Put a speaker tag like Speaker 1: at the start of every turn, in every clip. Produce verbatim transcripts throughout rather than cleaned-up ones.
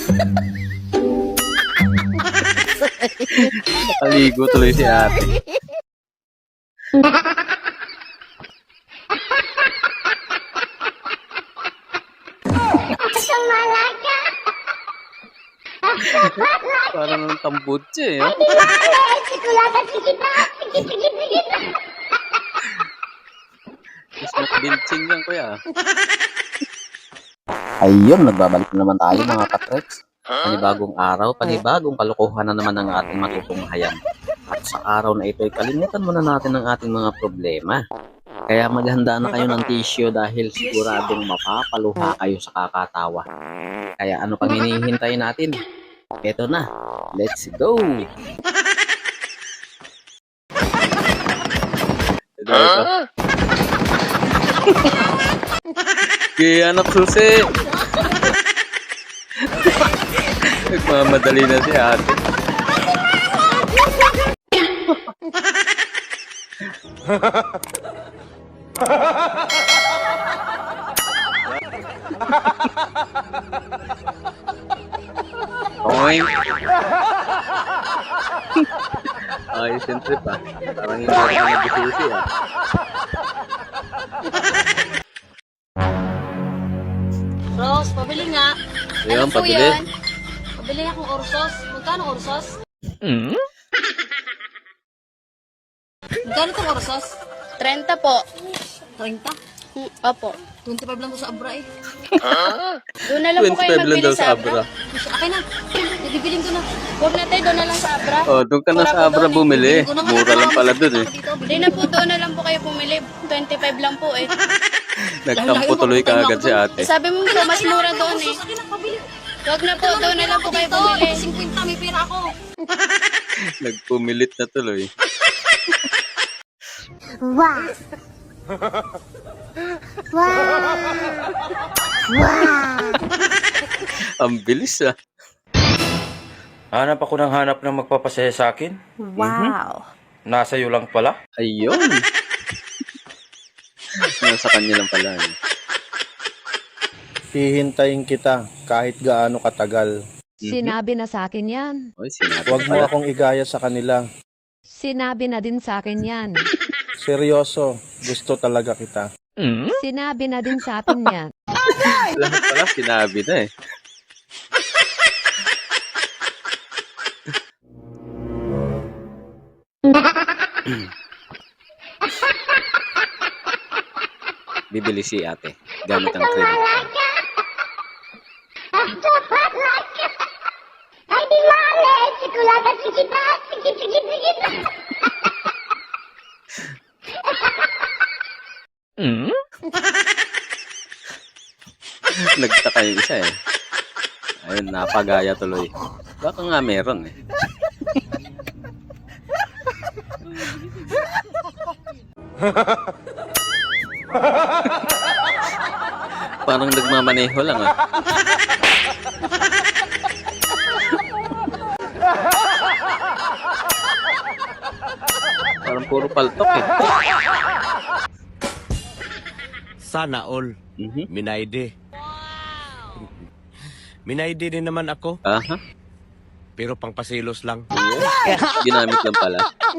Speaker 1: Nakaligo tuloy si ate. Parang ng tambutse eh. Oh. Smoke binching yan kuya. Ayun, nagbabalik na naman tayo mga katreks. Panibagong araw, panibagong kalokohan na naman ang ating matutunghayan. At sa araw na ito ay kalimutan muna natin ang ating mga problema. Kaya maghanda na kayo ng tissue dahil siguradong mapapaluha kayo sa kakatawa. Kaya ano pang hinihintay natin? Ito na, let's go! Ito, ito. Kaya anak susi! Nagmamadali na si ate. Oink! Ayos yung trip ah. Parang hindi ako nagsusi ah.
Speaker 2: Rose, pabili nga.
Speaker 1: Ayun,
Speaker 2: Ano po
Speaker 1: pabili.
Speaker 2: yan? Pabili akong orsos. Magkano orsos?
Speaker 1: Hmm?
Speaker 2: Magkano itong orsos?
Speaker 3: trenta po.
Speaker 2: trenta?
Speaker 3: Hmm, Opo.
Speaker 2: twenty-five lang ko sa Abra eh.
Speaker 3: Doon na lang po kayo
Speaker 1: twenty-five lang
Speaker 3: magbili
Speaker 1: daw
Speaker 3: sa
Speaker 1: sa
Speaker 3: Abra.
Speaker 1: Abra.
Speaker 2: Akin na. Nabibiling ko na.
Speaker 3: Huwag na tayo, doon na lang sa Abra.
Speaker 1: Oh, doon ka na
Speaker 3: Wala
Speaker 1: sa
Speaker 3: po
Speaker 1: Abra
Speaker 3: doon eh.
Speaker 1: bumili.
Speaker 2: Ko na nga
Speaker 1: Mura lang pala doon eh.
Speaker 2: dito.
Speaker 3: Hindi na po, doon na lang po kayo pumili. twenty-five lang po eh.
Speaker 1: Nagtampo tuloy ka agad si ate.
Speaker 3: Eh, sabi mo po, mas mura doon eh.
Speaker 2: Akin na, pabili.
Speaker 3: Huwag na po, doon na lang po kayo
Speaker 2: Dito,
Speaker 3: pumili.
Speaker 2: fifty, may pera ako.
Speaker 1: Nagpumilit na tuloy.
Speaker 4: Wow. Wow. Wow.
Speaker 1: Ang bilis ah.
Speaker 5: Hanap ako ng hanap ng magpapasaya sa akin.
Speaker 4: Wow.
Speaker 5: Nasa iyo lang pala.
Speaker 1: Ayun. Nasa kanya lang pala. Eh.
Speaker 6: Hihintayin kita kahit gaano katagal.
Speaker 7: Sinabi na sa akin yan.
Speaker 1: Oy, sinabi
Speaker 6: Huwag mo
Speaker 1: pala.
Speaker 6: akong igaya sa kanila.
Speaker 7: Sinabi na din sa akin yan.
Speaker 6: Seryoso, gusto talaga kita.
Speaker 7: Sinabi na din sa akin yan.
Speaker 1: Lahat pala sinabi na eh. Bibili si ate gamit ang credit card.
Speaker 4: Ay, di male, sikulata sikita, sikit, sikit, sikit.
Speaker 1: Nagtaka yung isa eh. Ayun, napagaya tuloy. Baka nga meron eh. Parang nagmamaneho lang ah. Parang puro paltok eh.
Speaker 8: Sana all.
Speaker 1: Mhm.
Speaker 8: Minayde. Minayde din naman ako,
Speaker 1: Aha.
Speaker 8: pero pangpasilos lang.
Speaker 1: Ginamit lang pala.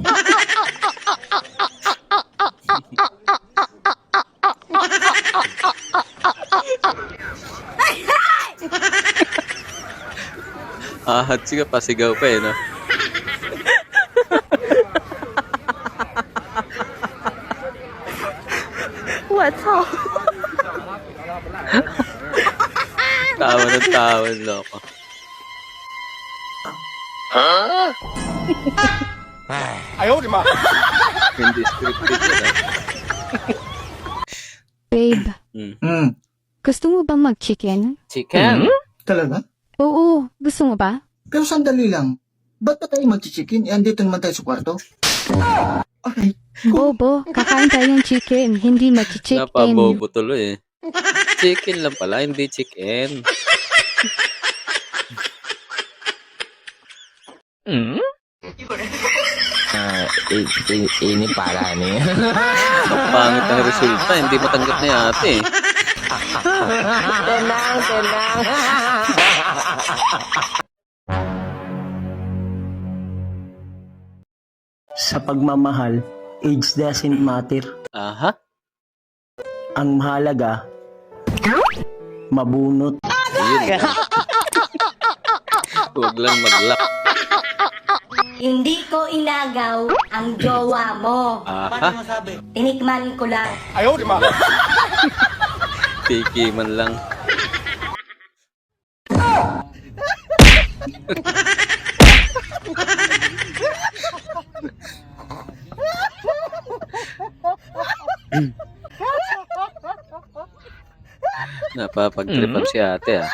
Speaker 1: Ahat siya, pasigaw pa eh, no?
Speaker 7: What's up?
Speaker 1: Tawa ng tawa, loko. Hindi scripted yun, ah.
Speaker 7: Babe,
Speaker 1: Mm.
Speaker 9: Hmm,
Speaker 7: gusto mo bang mag-chicken?
Speaker 1: Chicken?
Speaker 9: talaga?
Speaker 7: Oo, gusto mo ba?
Speaker 9: Pero sandali lang. Ba't pa tayo mag-chicken? Eh, andito naman tayo sa kwarto. Ay,
Speaker 7: Bobo, kakain tayo ng chicken, hindi mag-chicken.
Speaker 1: Napabobo tuloy eh. Chicken lang pala, hindi chicken.
Speaker 8: Ah, ini para ni.
Speaker 1: Ang pangit ang resulta, hindi matanggap na yate eh.
Speaker 8: Tenang, tenang.
Speaker 10: Sa pagmamahal, age doesn't matter.
Speaker 1: Aha.
Speaker 10: Ang mahalaga, mabunot.
Speaker 1: Yun. Huwag lang mag-lock.
Speaker 4: Hindi ko inagaw ang jowa mo.
Speaker 1: Aha.
Speaker 4: Tinikman ko lang.
Speaker 1: Piki man lang. Napapag-tripan si ate ah.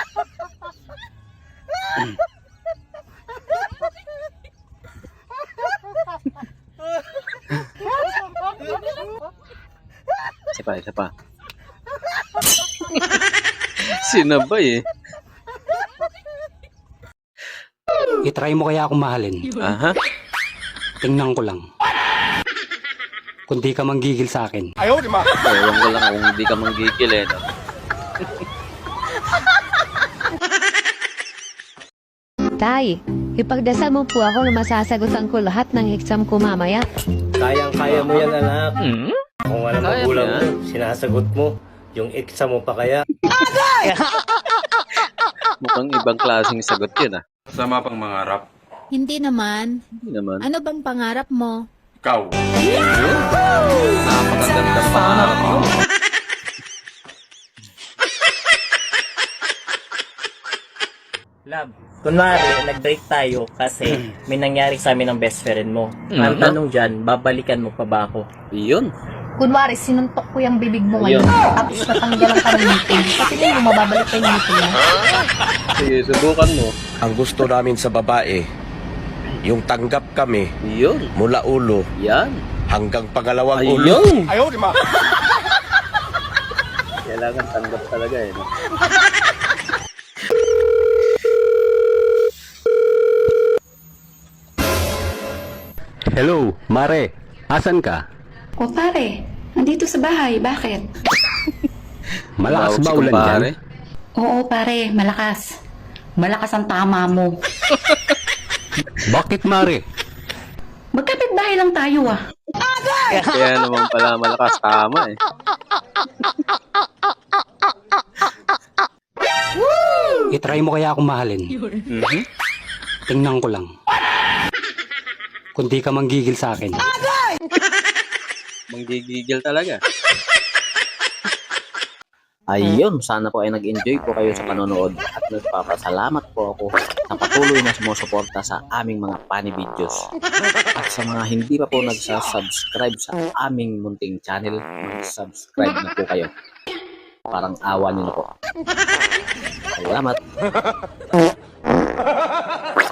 Speaker 1: Isa pa, isa pa. Sinabay eh.
Speaker 11: I-try mo kaya akong mahalin.
Speaker 1: Aha.
Speaker 11: Tingnan ko lang. Kung di ka manggigil sa akin.
Speaker 1: Ewan ko lang kung hindi ka manggigil eh. No?
Speaker 7: Tay, ipagdasal mo po ako na masasagutan ko lahat ng exam ko mamaya.
Speaker 10: Kayang-kaya mo yan, anak.
Speaker 1: Hmm?
Speaker 10: Kung ano
Speaker 1: Kaya
Speaker 10: magulang
Speaker 1: mo
Speaker 10: mo, sinasagot mo. Yung exam mo pa kaya.
Speaker 1: Mukhang ibang klaseng sagot yun ah.
Speaker 5: Sama pang mangarap.
Speaker 2: Hindi naman.
Speaker 1: Hindi naman.
Speaker 2: Ano bang pangarap mo?
Speaker 5: Ikaw.
Speaker 1: Napakaganda pa.
Speaker 10: Love, kunwari, nag-break tayo kasi may nangyari sa amin ng best friend mo. Ang
Speaker 1: Mhm.
Speaker 10: tanong dyan, babalikan mo pa ba ako?
Speaker 1: Yun.
Speaker 2: Kunwari, sinuntok ko yung bibig mo
Speaker 1: Ayun.
Speaker 2: ngayon. Tapos natanggalan ka ng ngipin. Pati na yung mababalik pa yung ngipin mo.
Speaker 1: Sige, subukan mo.
Speaker 8: Ang gusto namin sa babae, yung tanggap kami
Speaker 1: Yun.
Speaker 8: mula ulo
Speaker 1: Yan.
Speaker 8: hanggang pangalawang ulo.
Speaker 1: Ayun. Kailangan tanggap talaga eh. No?
Speaker 11: Hello, Mare. Asan ka?
Speaker 3: O pare, nandito sa bahay. Bakit?
Speaker 11: Malakas
Speaker 1: Tawag
Speaker 11: ba
Speaker 1: si
Speaker 11: ulan
Speaker 1: kumpare.
Speaker 11: dyan?
Speaker 3: Oo pare, malakas. Malakas ang tama mo.
Speaker 11: Bakit, Mare?
Speaker 3: Magkapit bahay lang tayo ah.
Speaker 1: Kaya naman pala malakas tama eh.
Speaker 11: I-try mo kaya akong mahalin.
Speaker 1: Mhm.
Speaker 11: Tingnan ko lang. Kung di ka manggigil sa akin.
Speaker 1: Manggigigil talaga. Ayun, sana po ay nag-enjoy po kayo sa panonood at nagpapasalamat po ako sa patuloy na sumusuporta sa aming mga funny videos. At sa mga hindi pa po nagsasubscribe sa aming munting channel, mag-subscribe na po kayo. Parang awa niyo na po. Salamat!